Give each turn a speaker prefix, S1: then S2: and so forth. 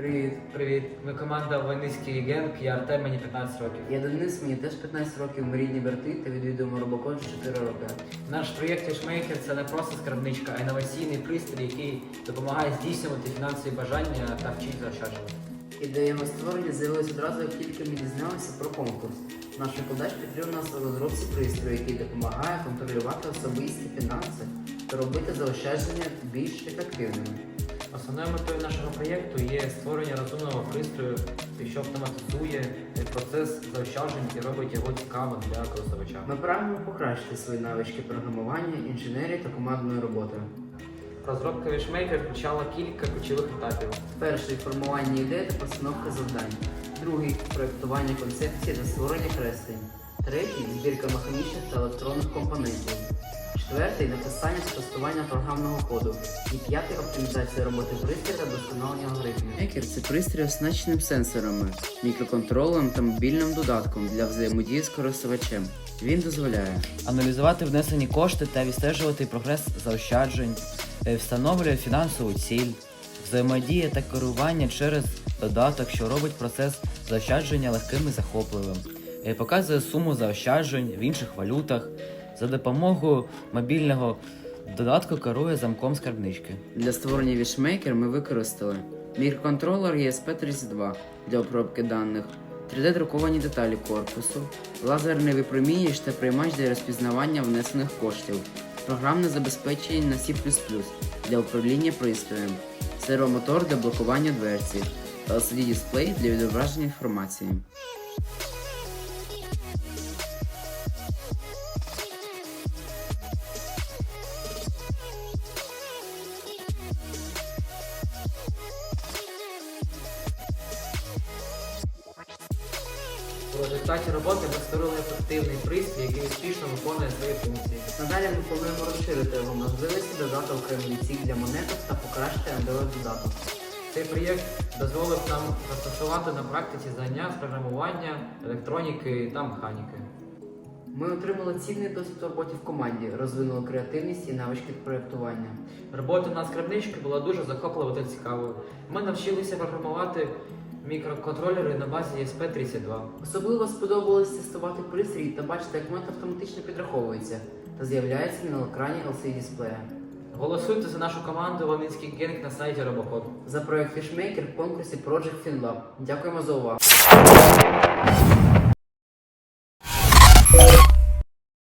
S1: Привіт. Ми команда Войницький генг, я Артем, мені 15 років.
S2: Я Денис, мені теж 15 років, ми рідні брати та відвідуємо робокод 4 роки.
S1: Наш проєкт Wishmaker – це не просто скарбничка, а інноваційний пристрій, який допомагає здійснювати фінансові бажання та вчить заощаджувати.
S2: Ідея його створення з'явилася одразу, як тільки ми дізналися про конкурс. Наш викладач підтримав нас у розробці пристрою, який допомагає контролювати особисті фінанси та робити заощадження більш ефективними.
S1: Основною метою нашого проєкту є створення розумного пристрою, що автоматизує процес заощаджень і робить його цікавим для користувача.
S2: Ми прагнемо покращити свої навички програмування, інженерії та командної роботи.
S1: Розробка Wishmaker включала кілька ключових етапів.
S2: Перший – формування ідей та постановка завдань. Другий – проєктування концепції та створення креслень. Третій – збірка механічних та електронних компонентів. Четвертий – написання та тестування програмного коду. І п'ятий – оптимізація роботи пристрою та вдосконалення алгоритмів. Екер – це пристрій оснащеним сенсорами, мікроконтролером та мобільним додатком для взаємодії з користувачем. Він дозволяє
S1: Аналізувати внесені кошти та відстежувати прогрес заощаджень, встановлює фінансову ціль, взаємодія та керування через додаток, що робить процес заощадження легким і захопливим, показує суму заощаджень в інших валютах, за допомогою мобільного додатку керує замком скарбнички.
S2: Для створення Wishmaker ми використали мікроконтролер ESP32 для обробки даних, 3D-друковані деталі корпусу, лазерний випромінювач та приймач для розпізнавання внесених коштів, програмне забезпечення на C++ для управління пристроєм, сервомотор для блокування дверці, LCD-дисплей для відображення інформації.
S1: У результаті роботи ми створили ефективний пристрій, який успішно виконує свої функції.
S2: Надалі ми плануємо розширити його можливості, додати окремий ціль для монеток та покращити Android-додаток.
S1: Цей проєкт дозволив нам застосувати на практиці знання з програмування, електроніки та механіки.
S2: Ми отримали цінний досвід у роботі в команді, розвинули креативність і навички проєктування.
S1: Робота на скарбничці була дуже захопливою та цікавою. Ми навчилися програмувати мікроконтролери на базі ESP32.
S2: Особливо сподобалось тестувати пристрій та бачити, як монета автоматично підраховується та з'являється на екрані LCD-дисплея.
S1: Голосуйте за нашу команду Войницький генг на сайті Робокод.
S2: За проєкт Wishmaker в конкурсі Project FinLab. Дякуємо за увагу!